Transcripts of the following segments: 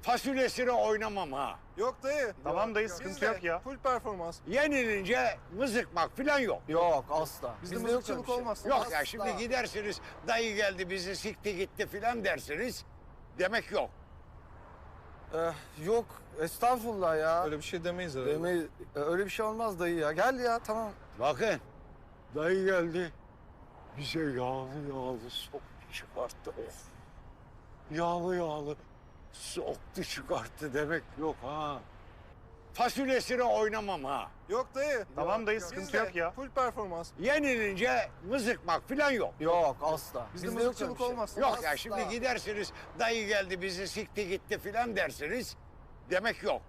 Fasulyesine oynamam ha. Yok dayı. Tamam dayı, sıkıntı yok ya. Full performans. Yenilince mızıkmak falan yok. Yok asla. Bizde yok öyle mızıkçılık bir şey. olmaz. Yok ya şimdi gidersiniz dayı geldi bizi sikti gitti filan dersiniz. Demek yok. Yok estağfurullah ya. Öyle bir şey demeyiz herhalde. Demeyi, öyle bir şey olmaz dayı ya. Gel ya tamam. Bakın dayı geldi bize yağlı yağlı soktu çıkarttı. Of. Yağlı yağlı soktu çıkarttı demek yok ha. Fasulyesine oynamam ha. Yok dayı. Tamam dayı, sıkıntı Bizde yok ya. Full performans. Yenilince mızıkmak falan yok. Yok asla. Bizde yok öyle mızıkçılık bir şey. olmaz. Yok ya şimdi gidersiniz dayı geldi bizi sikti gitti filan dersiniz. Demek yok.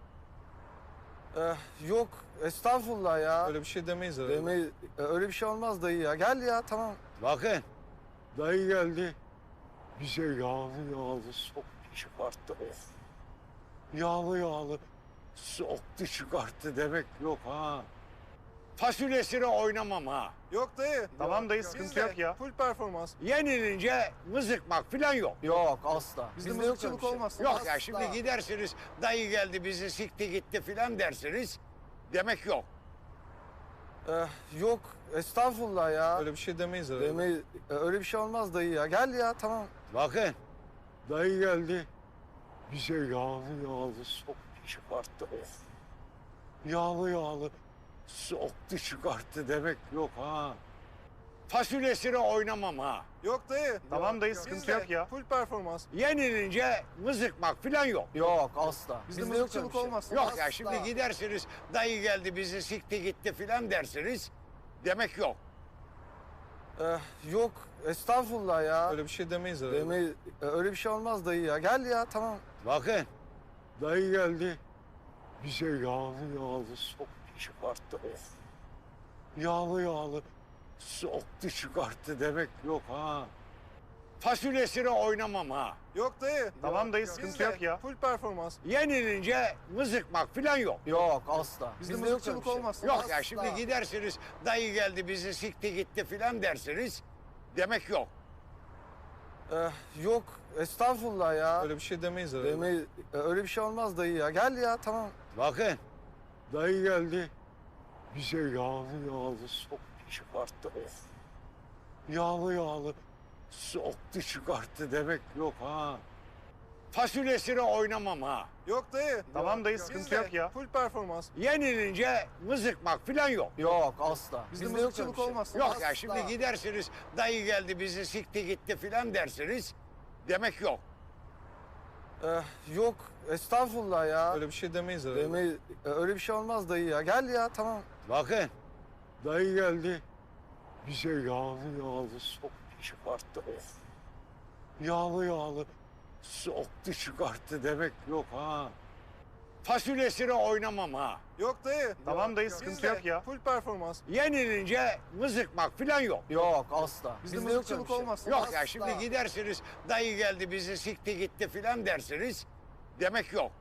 Yok estağfurullah ya. Öyle bir şey demeyiz herhalde. Demeyi, öyle bir şey olmaz dayı ya. Gel ya tamam. Bakın dayı geldi bize yağlı yağlı soktu çıkarttı. Of. Yağlı yağlı soktu çıkarttı demek yok ha. Fasulyesine oynamam ha. Yok dayı. Tamam dayı, sıkıntı Bizde yok ya. Full performans. Yenilince mızıkmak falan yok. Yok asla. Bizde yok öyle mızıkçılık bir şey. olmaz. Yok ya şimdi gidersiniz dayı geldi bizi sikti gitti filan dersiniz. Demek yok. Yok estağfurullah ya. Öyle bir şey demeyiz herhalde. Demeyi, öyle bir şey olmaz dayı ya. Gel ya tamam. Bakın dayı geldi bize yağlı yağlı soktu çıkarttı. Of. Yağlı yağlı soktu çıkarttı demek yok ha. Fasulyesine oynamam ha. Yok dayı. Tamam dayı, sıkıntı Bizde yok ya. Full performans. Yenilince mızıkmak falan yok. Yok asla. Bizde yok öyle mızıkçılık bir şey. olmaz. Yok ya şimdi gidersiniz dayı geldi bizi sikti gitti filan dersiniz. Demek yok. Yok estağfurullah ya. Öyle bir şey demeyiz herhalde. Demeyi, öyle bir şey olmaz dayı ya. Gel ya tamam. Bakın dayı geldi bize yağlı yağlı soktu çıkarttı. Of. Yağlı yağlı soktu çıkarttı demek yok ha. Fasulyesine oynamam ha. Yok dayı. Tamam dayı, sıkıntı Bizde yok ya. Full performans. Yenilince mızıkmak falan yok. Yok asla. Bizde yok mızıkçılık öyle bir şey. olmaz. Yok ya şimdi gidersiniz dayı geldi bizi sikti gitti filan dersiniz. Demek yok. Yok estağfurullah ya. Öyle bir şey demeyiz herhalde. Demeyi, öyle bir şey olmaz dayı ya. Gel ya tamam. Bakın dayı geldi bize yağlı yağlı soktu çıkarttı. Of. Yağlı yağlı soktu çıkarttı demek yok ha. Fasulyesine oynamam ha. Yok dayı. Tamam dayı, sıkıntı Bizde yok ya. Full performans. Yenilince mızıkmak falan yok. Yok asla. Bizde yok öyle mızıkçılık bir şey. olmaz. Yok ya şimdi gidersiniz dayı geldi bizi sikti gitti filan dersiniz. Demek yok. Yok estağfurullah ya. Öyle bir şey demeyiz herhalde. Demeyi, öyle bir şey olmaz dayı ya. Gel ya tamam. Bakın dayı geldi bize yağlı yağlı soktu çıkarttı. Of. Yağlı yağlı soktu çıkarttı demek yok ha. Fasulyesine oynamam ha. Yok dayı. Tamam dayı, sıkıntı Bizde yok ya. Full performans. Yenilince mızıkmak falan yok. Yok asla. Bizde yok mızıkçılık öyle bir şey. olmaz. Yok ya şimdi gidersiniz dayı geldi bizi sikti gitti filan dersiniz. Demek yok.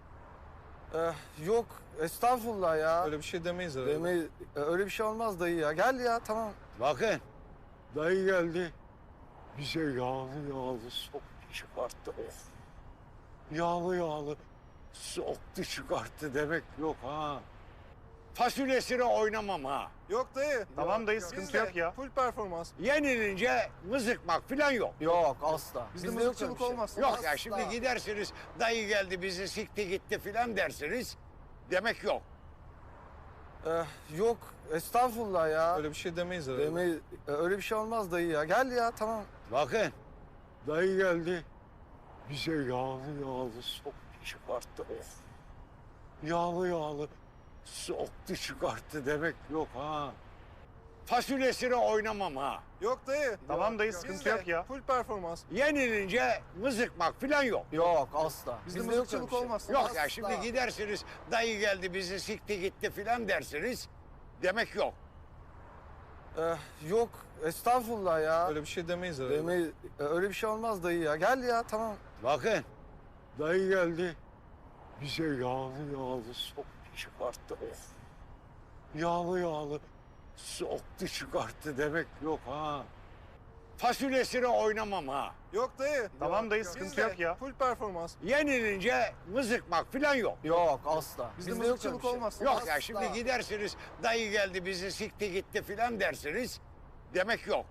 Yok estağfurullah ya. Öyle bir şey demeyiz herhalde. Demeyi, öyle bir şey olmaz dayı ya. Gel ya tamam. Bakın dayı geldi bize yağlı yağlı soktu çıkarttı. Of. Yağlı yağlı soktu çıkarttı demek yok ha. Fasulyesine oynamam ha. Yok dayı. Tamam dayı, sıkıntı Bizde yok ya. Full performans. Yenilince mızıkmak falan yok. Yok asla. Bizde yok öyle mızıkçılık bir şey. olmaz. Yok ya şimdi gidersiniz dayı geldi bizi sikti gitti filan dersiniz. Demek yok. Yok estağfurullah ya. Öyle bir şey demeyiz herhalde. Demeyi, öyle bir şey olmaz dayı ya. Gel ya tamam. Bakın dayı geldi bize yağlı yağlı soktu çıkarttı. Of. Yağlı yağlı soktu çıkarttı demek yok ha. Fasulyesine oynamam ha. Yok dayı. Tamam dayı, sıkıntı Bizde yok ya. Full performans. Yenilince mızıkmak falan yok. Yok asla. Bizde yok mızıkçılık öyle bir şey. olmaz. Yok ya şimdi gidersiniz dayı geldi bizi sikti gitti filan dersiniz. Demek yok. Yok estağfurullah ya. Öyle bir şey demeyiz herhalde. Demeyi, öyle bir şey olmaz dayı ya. Gel ya tamam. Bakın dayı geldi bize yağlı yağlı soktu çıkarttı. Of. Yağlı yağlı soktu çıkarttı demek yok ha. Fasulyesine oynamam ha. Yok dayı. Tamam dayı, sıkıntı yok ya. Full performans. Yenilince mızıkmak falan yok. Yok asla. Bizde yok öyle mızıkçılık bir şey. olmaz. Yok ya şimdi gidersiniz dayı geldi bizi sikti gitti falan dersiniz. Demek yok.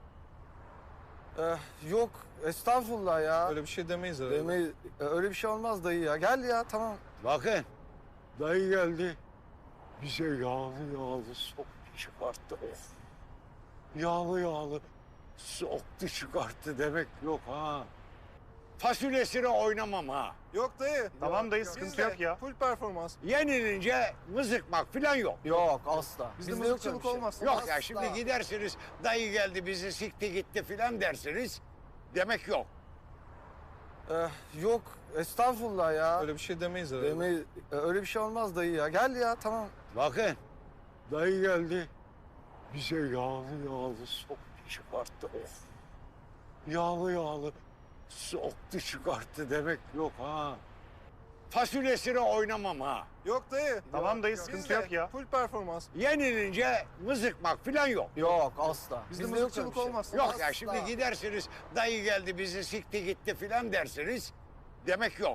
Yok estağfurullah ya. Öyle bir şey demeyiz herhalde. Demeyi, öyle bir şey olmaz dayı ya. Gel ya tamam. Bakın dayı geldi bize yağlı yağlı soktu çıkarttı. Of. Yağlı yağlı soktu çıkarttı demek yok ha. Fasulyesine oynamam ha. Yok dayı. Tamam dayı, sıkıntı Bizde yok ya. Full performans. Yenilince mızıkmak falan yok. Yok asla. Bizde yok mızıkçılık öyle bir şey. olmaz. Yok ya şimdi gidersiniz dayı geldi bizi sikti gitti falan dersiniz. Demek yok. Yok estağfurullah ya. Öyle bir şey demeyiz herhalde. Demeyi, öyle bir şey olmaz dayı ya. Gel ya tamam. Bakın dayı geldi bize yağlı yağlı soktu çıkarttı. Of. Yağlı yağlı soktu çıkarttı demek yok ha. Fasulyesine oynamam ha. Yok dayı. Tamam dayı, sıkıntı Bizde yok ya. Full performans. Yenilince mızıkmak falan yok. Yok asla. Bizde yok öyle mızıkçılık bir şey. olmaz. Yok ya şimdi gidersiniz dayı geldi bizi sikti gitti falan dersiniz. Demek yok.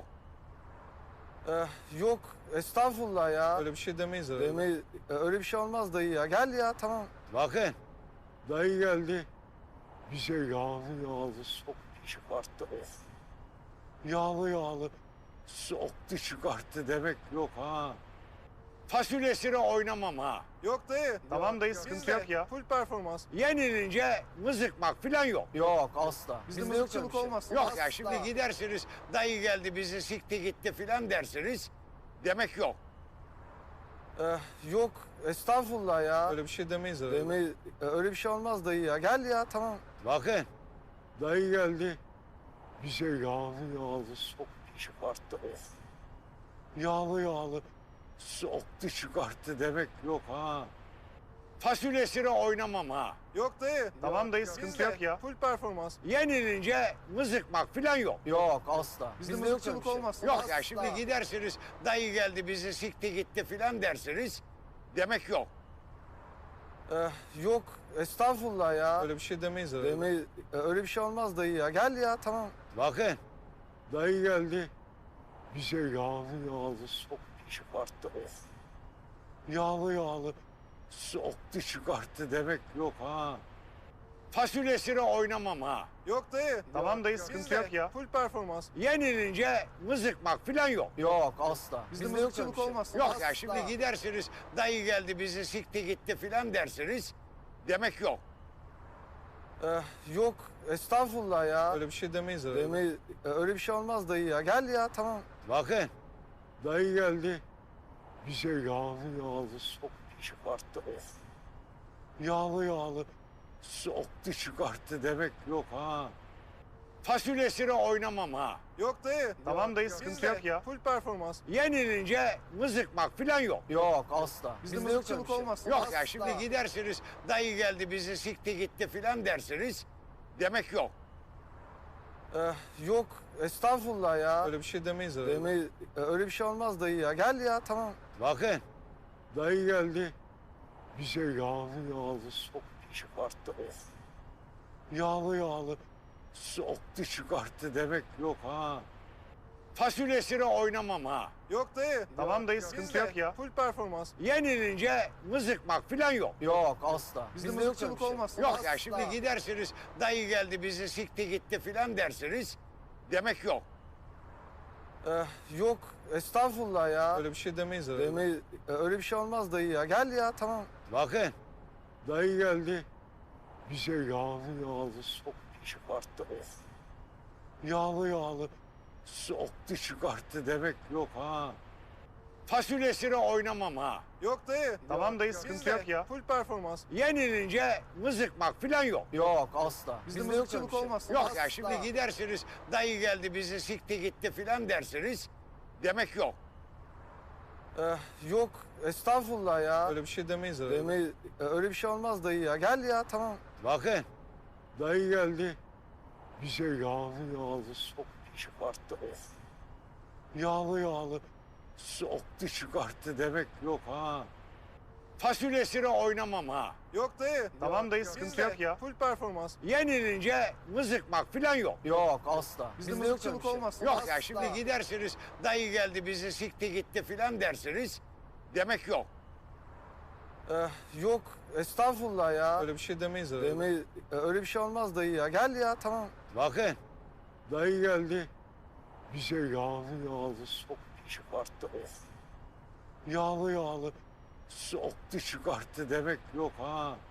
Yok estağfurullah ya. Öyle bir şey demeyiz herhalde. Demeyi, öyle bir şey olmaz dayı ya. Gel ya tamam. Bakın dayı geldi bize yağlı yağlı soktu çıkarttı. Of. Yağlı yağlı soktu çıkarttı demek yok ha. Fasulyesine oynamam ha. Yok dayı. Tamam dayı, sıkıntı Bizde yok ya. Full performans. Yenilince mızıkmak falan yok. Yok asla. Bizde yok mızıkçılık öyle bir şey. olmaz. Yok ya şimdi gidersiniz dayı geldi bizi sikti gitti falan dersiniz. Demek yok. Yok estağfurullah ya. Öyle bir şey demeyiz herhalde. Demeyi, öyle bir şey olmaz dayı ya. Gel ya tamam. Bakın dayı geldi bize yağlı yağlı soktu çıkarttı. Of. Yağlı yağlı soktu çıkarttı demek yok ha. Fasulyesine oynamam ha. Yok dayı. Tamam dayı, sıkıntı Bizde yok ya. Full performans. Yenilince mızıkmak falan yok. Yok asla. Bizde yok öyle mızıkçılık bir şey. olmaz. Yok ya şimdi gidersiniz dayı geldi bizi sikti gitti falan dersiniz. Demek yok. Yok estağfurullah ya. Öyle bir şey demeyiz herhalde. Demeyi, öyle bir şey olmaz dayı ya. Gel ya tamam. Bakın dayı geldi bize yağlı yağlı soktu çıkarttı. Of. Yağlı yağlı soktu çıkarttı demek yok ha. Fasulyesine oynamam ha. Yok dayı. Tamam dayı, sıkıntı Bizde yok ya. Full performans. Yenilince mızıkmak falan yok. Yok asla. Bizde yok öyle mızıkçılık bir şey. olmaz. Yok ya şimdi gidersiniz dayı geldi bizi sikti gitti falan dersiniz. Demek yok. Yok estağfurullah ya. Öyle bir şey demeyiz herhalde. Demeyi, öyle bir şey olmaz dayı ya. Gel ya tamam. Bakın dayı geldi bize yağlı yağlı soktu çıkarttı. Of. Yağlı yağlı soktu çıkarttı demek yok ha. Fasulyesine oynamam ha. Yok dayı. Tamam dayı, sıkıntı Bizde yok ya. Full performans. Yenilince mızıkmak falan yok. Yok asla. Bizde yok mızıkçılık öyle bir şey. olmaz. Yok ya şimdi gidersiniz dayı geldi bizi sikti gitti falan dersiniz. Demek yok. Yok estağfurullah ya. Öyle bir şey demeyiz herhalde. Demeyi, öyle bir şey olmaz dayı ya. Gel ya tamam. Bakın dayı geldi bize yağlı yağlı soktu çıkarttı. Of. Yağlı yağlı soktu çıkarttı demek yok ha. Fasulyesine oynamam ha. Yok dayı. Tamam dayı, sıkıntı Bizde yok ya. Full performans. Yenilince mızıkmak falan yok. Yok asla. Bizde yok mızıkçılık öyle bir şey. olmaz. Yok ya şimdi gidersiniz dayı geldi bizi sikti gitti falan dersiniz. Demek yok. Yok estağfurullah ya. Öyle bir şey demeyiz herhalde. Demeyi, öyle bir şey olmaz dayı ya. Gel ya tamam. Bakın dayı geldi bize yağlı yağlı soktu çıkarttı. Of. Yağlı yağlı soktu çıkarttı demek yok ha. Fasulyesine oynamam ha. Yok dayı. Tamam dayı, sıkıntı Bizde yok ya. Full performans. Yenilince mızıkmak falan yok. Yok asla. Bizde yok mızıkçılık öyle bir şey. olmaz. Yok ya şimdi gidersiniz dayı geldi bizi sikti gitti falan dersiniz. Demek yok. Yok estağfurullah ya. Öyle bir şey demeyiz herhalde. Demeyi, öyle bir şey olmaz dayı ya. Gel ya tamam. Bakın dayı geldi bize yağlı yağlı soktu çıkarttı. Of. Yağlı yağlı soktu çıkarttı demek yok ha. fasulyesine oynamam ha. Yok dayı. Tamam dayı, sıkıntı Bizde yok ya. Full performans. Yenilince mızıkmak falan yok. Yok asla. Bizde yok öyle mızıkçılık bir şey. olmaz. Yok ya, şimdi gidersiniz dayı geldi bizi sikti gitti falan dersiniz. Demek yok. Yok estağfurullah ya. Öyle bir şey demeyiz herhalde. Demeyi, öyle bir şey olmaz dayı ya. Gel ya tamam. Bakın dayı geldi bize yağlı soktu çıkarttı. Of. Yağlı soktu çıkarttı demek yok ha.